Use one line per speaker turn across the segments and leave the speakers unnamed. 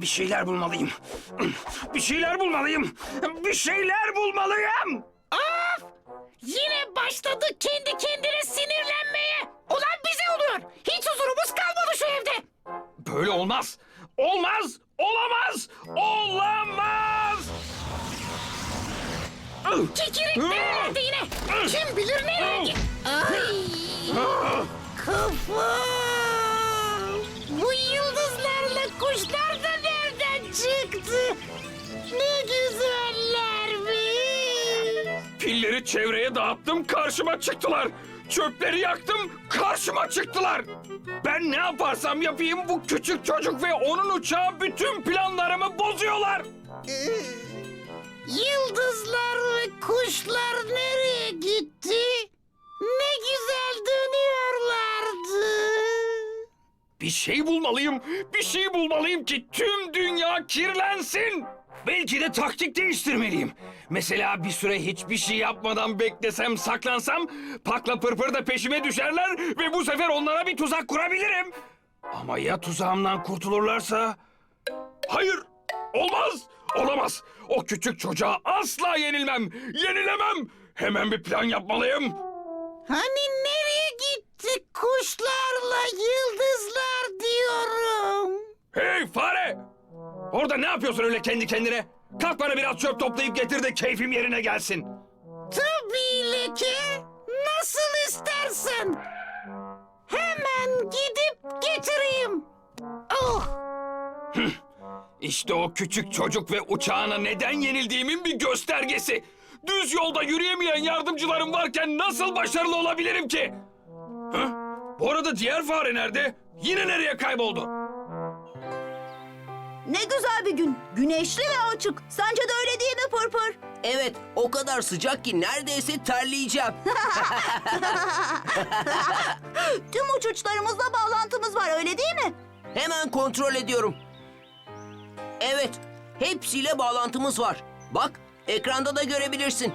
Bir şeyler bulmalıyım. Bir şeyler bulmalıyım. Bir şeyler bulmalıyım.
Of! Yine başladı kendi kendine sinirlenmeye. Olan bize oluyor. Hiç huzurumuz kalmadı şu evde.
Böyle olmaz. Olmaz. Olamaz. Olamaz.
Kikirik nerelerde yine? Kim bilir nereye git? Ay! Kafam! Bu yıldızlarla kuşlar da nereden çıktı? Ne güzellermiş!
Pilleri çevreye dağıttım, karşıma çıktılar. Çöpleri yaktım, karşıma çıktılar. Ben ne yaparsam yapayım bu küçük çocuk ve onun uçağı bütün planlarımı bozuyorlar.
Yıldızlar ve kuşlar nereye gitti? Ne güzel dönüyorlardı.
Bir şey bulmalıyım, bir şey bulmalıyım ki tüm dünya kirlensin. Belki de taktik değiştirmeliyim. Mesela bir süre hiçbir şey yapmadan beklesem, saklansam... Pakla Pırpır da peşime düşerler ve bu sefer onlara bir tuzak kurabilirim. Ama ya tuzağımdan kurtulurlarsa? Hayır, olmaz, olamaz. O küçük çocuğa asla yenilmem, yenilemem. Hemen bir plan yapmalıyım.
Hani nereye gitti kuşlarla yıldızlar diyorum.
Hey fare! Orada ne yapıyorsun öyle kendi kendine? Kalk bana biraz çöp toplayıp getir de keyfim yerine gelsin.
Tabii Leke. Nasıl istersen. Hemen gidip getireyim. Oh!
İşte o küçük çocuk ve uçağına neden yenildiğimin bir göstergesi. Düz yolda yürüyemeyen yardımcılarım varken nasıl başarılı olabilirim ki? Hı? Bu arada diğer fare nerede? Yine nereye kayboldu?
Ne güzel bir gün. Güneşli ve açık. Sence de öyle değil mi Pırpır?
Evet, o kadar sıcak ki neredeyse terleyeceğim.
Tüm uçuşlarımızla bağlantımız var öyle değil mi?
Hemen kontrol ediyorum. Evet, hepsiyle bağlantımız var. Bak, ekranda da görebilirsin.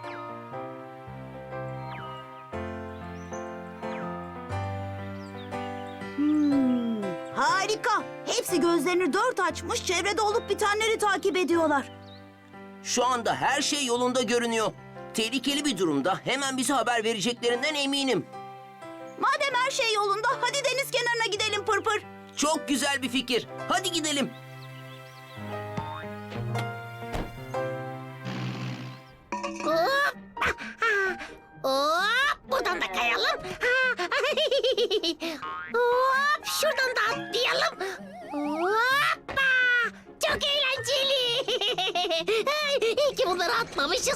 Harika. Hepsi gözlerini dört açmış, çevrede olup bitenleri takip ediyorlar.
Şu anda her şey yolunda görünüyor. Tehlikeli bir durumda hemen bize haber vereceklerinden eminim.
Madem her şey yolunda, hadi deniz kenarına gidelim Pırpır.
Çok güzel bir fikir. Hadi gidelim.
Hop! Hop! Buradan da kayalım. Hop! Şuradan da atlayalım. Hoppa! Çok eğlenceli. İyi ki bunları atmamışız.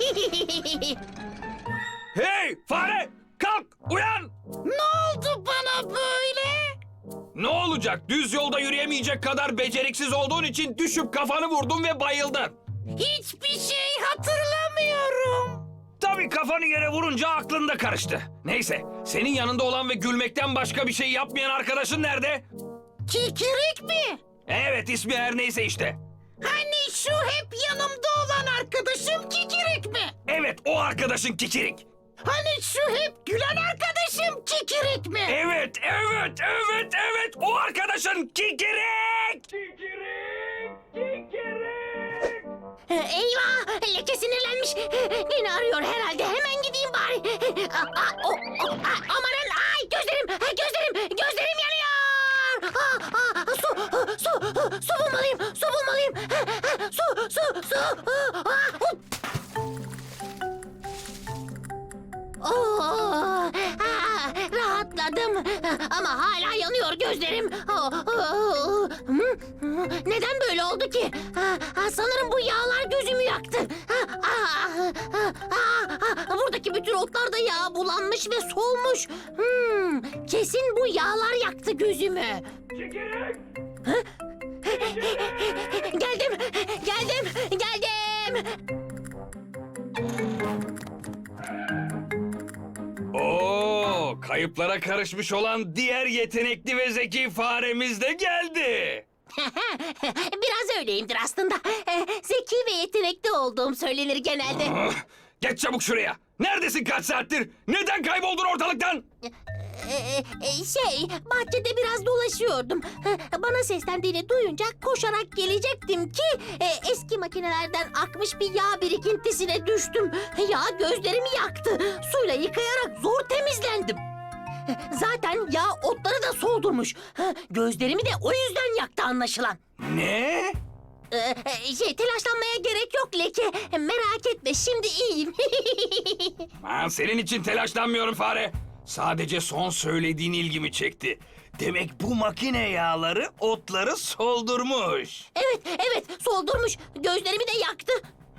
Hey fare! Kalk! Uyan!
Ne oldu bana böyle?
Ne olacak? Düz yolda yürüyemeyecek kadar beceriksiz olduğun için düşüp kafanı vurdun ve bayıldın.
Hiçbir şey hatırlamıyorum.
Tabii kafanı yere vurunca aklın da karıştı. Neyse, senin yanında olan ve gülmekten başka bir şey yapmayan arkadaşın nerede?
Kikirik mi?
Evet, ismi her neyse işte.
Hani şu hep yanımda olan arkadaşım Kikirik mi?
Evet, o arkadaşın Kikirik.
Hani şu hep gülen arkadaşım Kikirik mi?
Evet, evet, evet, evet, o arkadaşın Kikirik! Kikirik! Kikirik!
Eyvah! Leke sinirlenmiş. Beni arıyor herhalde. Hemen gideyim bari. Amanın! Ay gözlerim! Gözlerim yanıyor! Su bulmalıyım! Su bulmalıyım! Su! Rahatladım ama hala yanıyor gözlerim. Neden böyle oldu ki? Sanırım bu yağlar gözümü yaktı. Buradaki bütün otlar da yağ bulanmış ve solmuş. Kesin bu yağlar yaktı gözümü. Geldim.
Oo, kayıplara karışmış olan diğer yetenekli ve zeki faremiz de geldi.
Biraz öyleyimdir aslında. Zeki ve yetenekli olduğum söylenir genelde.
Geç çabuk şuraya. Neredesin kaç saattir? Neden kayboldun ortalıktan?
Bahçede biraz dolaşıyordum. Bana seslendiğini duyunca koşarak gelecektim ki eski makinelerden akmış bir yağ birikintisine düştüm. Yağ gözlerimi yaktı. Suyla yıkayarak zor temizlendim. Zaten yağ otları da soldurmuş. Gözlerimi de o yüzden yaktı anlaşılan.
Ne?
Telaşlanmaya gerek yok Leke. Merak etme, şimdi iyiyim.
Ben senin için telaşlanmıyorum fare. Sadece son söylediğin ilgimi çekti. Demek bu makine yağları otları soldurmuş.
Evet, soldurmuş. Gözlerimi de yaktı.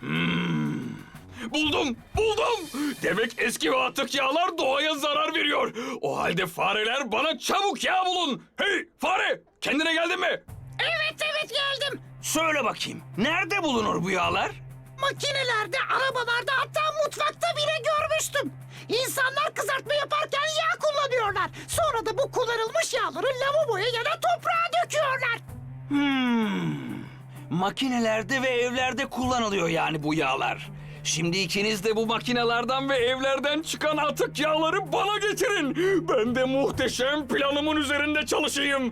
Buldum. Demek eski ve atık yağlar doğaya zarar veriyor. O halde fareler bana çabuk yağ bulun. Hey fare, kendine geldin mi?
Evet, geldim.
Söyle bakayım, nerede bulunur bu yağlar?
Makinelerde, arabalarda, hatta mutfakta bile görmüştüm. İnsanlar kızartma yaparken yağ kullanıyorlar. Sonra da bu kullanılmış yağları lavaboya ya da toprağa döküyorlar.
Makinelerde ve evlerde kullanılıyor yani bu yağlar. Şimdi ikiniz de bu makinelerden ve evlerden çıkan atık yağları bana getirin. Ben de muhteşem planımın üzerinde çalışayım.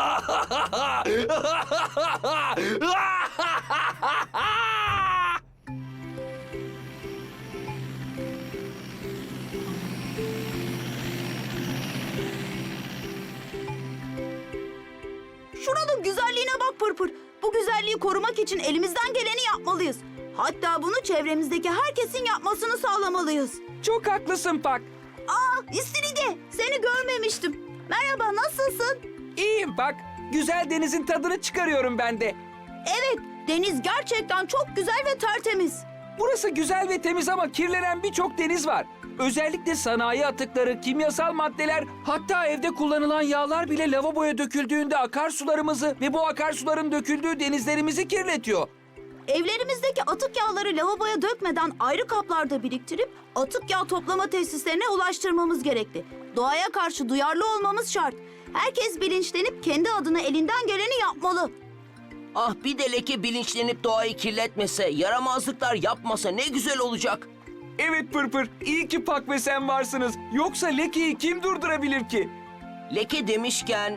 Şuranın güzelliğine bak Pırpır. Bu güzelliği korumak için elimizden geleni yapmalıyız. Hatta bunu çevremizdeki herkesin yapmasını sağlamalıyız.
Çok haklısın Pak.
İstiridye, seni görmemiştim. Merhaba, nasılsın?
İyiyim Pak. Güzel denizin tadını çıkarıyorum ben de.
Evet, deniz gerçekten çok güzel ve tertemiz.
Burası güzel ve temiz ama kirlenen birçok deniz var. Özellikle sanayi atıkları, kimyasal maddeler, hatta evde kullanılan yağlar bile lavaboya döküldüğünde akarsularımızı ve bu akarsuların döküldüğü denizlerimizi kirletiyor.
Evlerimizdeki atık yağları lavaboya dökmeden ayrı kaplarda biriktirip atık yağ toplama tesislerine ulaştırmamız gerekli. Doğaya karşı duyarlı olmamız şart. Herkes bilinçlenip kendi adına elinden geleni yapmalı.
Ah bir de Leke bilinçlenip doğayı kirletmese, yaramazlıklar yapmasa ne güzel olacak.
Evet Pırpır, iyi ki Pak ve sen varsınız. Yoksa Leke'yi kim durdurabilir ki?
Leke demişken...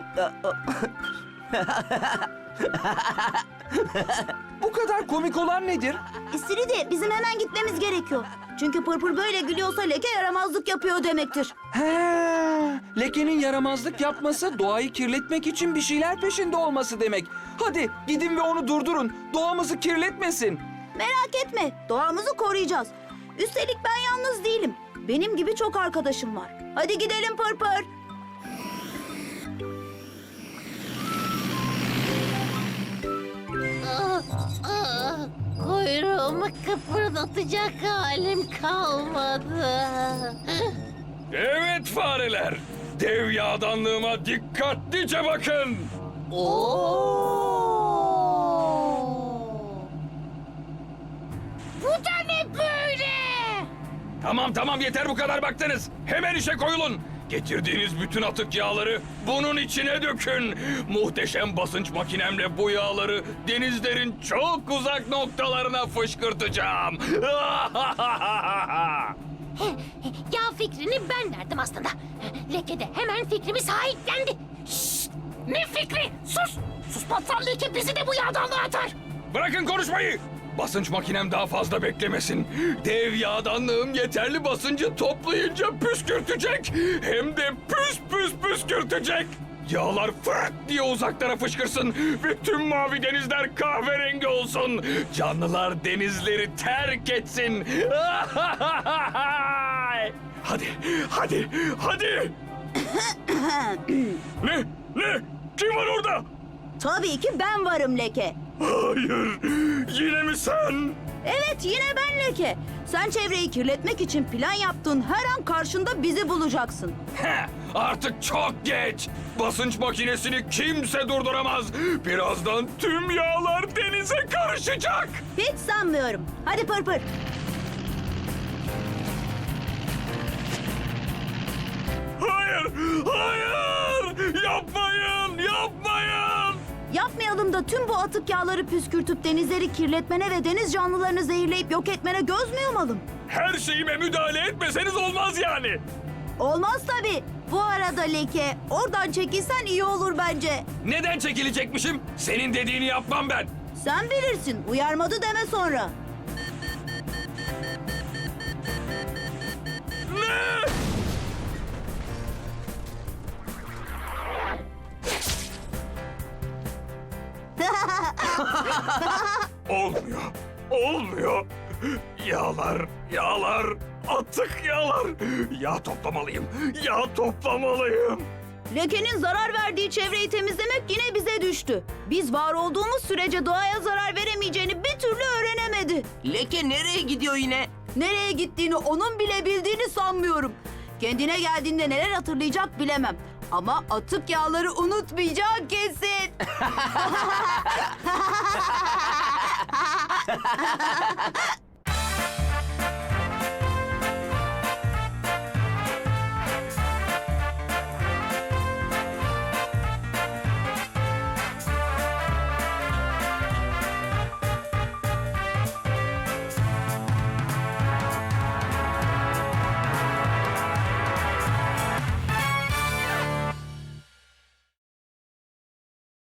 Bu kadar komik olan nedir?
İstiridye, bizim hemen gitmemiz gerekiyor. Çünkü Pırpır böyle gülüyorsa leke yaramazlık yapıyor demektir.
He, Leke'nin yaramazlık yapması doğayı kirletmek için bir şeyler peşinde olması demek. Hadi gidin ve onu durdurun. Doğamızı kirletmesin.
Merak etme, doğamızı koruyacağız. Üstelik ben yalnız değilim. Benim gibi çok arkadaşım var. Hadi gidelim Pırpır.
Kuyruğumu kıpırdatacak halim kalmadı.
Evet fareler, dev yağdanlığıma dikkatlice bakın.
Bu da ne böyle?
Tamam yeter bu kadar baktınız. Hemen işe koyulun. Getirdiğiniz bütün atık yağları bunun içine dökün. Muhteşem basınç makinemle bu yağları denizlerin çok uzak noktalarına fışkırtacağım.
Ya fikrini ben verdim aslında. Leke de hemen fikrimi sahiplendi. Şşt! Ne fikri? Sus! Suspatsan Leke bizi de bu yağdanlığa atar.
Bırakın konuşmayı. Basınç makinem daha fazla beklemesin. Dev yağdanlığım yeterli basıncı toplayınca püskürtecek. Hem de püskürtecek. Yağlar fırt diye uzaklara fışkırsın ve tüm mavi denizler kahverengi olsun. Canlılar denizleri terk etsin. Hadi. Ne? Kim var orada?
Tabii ki ben varım Leke.
Hayır, yine mi sen?
Evet, yine ben Leke. Sen çevreyi kirletmek için plan yaptığın her an karşında bizi bulacaksın.
Artık çok geç. Basınç makinesini kimse durduramaz. Birazdan tüm yağlar denize karışacak.
Hiç sanmıyorum. Hadi Pırpır.
Hayır! Yapmayın!
Yapmayalım da tüm bu atık yağları püskürtüp denizleri kirletmene ve deniz canlılarını zehirleyip yok etmene göz mü yumalım?
Her şeyime müdahale etmeseniz olmaz yani.
Olmaz tabii. Bu arada Leke, oradan çekilsen iyi olur bence.
Neden çekilecekmişim? Senin dediğini yapmam ben.
Sen bilirsin, uyarmadı deme sonra.
Ne? Olmuyor. Olmuyor. Yağlar, atık yağlar. Yağ toplamalıyım. Yağ toplamalıyım.
Leke'nin zarar verdiği çevreyi temizlemek yine bize düştü. Biz var olduğumuz sürece doğaya zarar veremeyeceğini bir türlü öğrenemedi.
Leke nereye gidiyor yine?
Nereye gittiğini onun bile bildiğini sanmıyorum. Kendine geldiğinde neler hatırlayacak bilemem. Ama atık yağları unutmayacak kesin.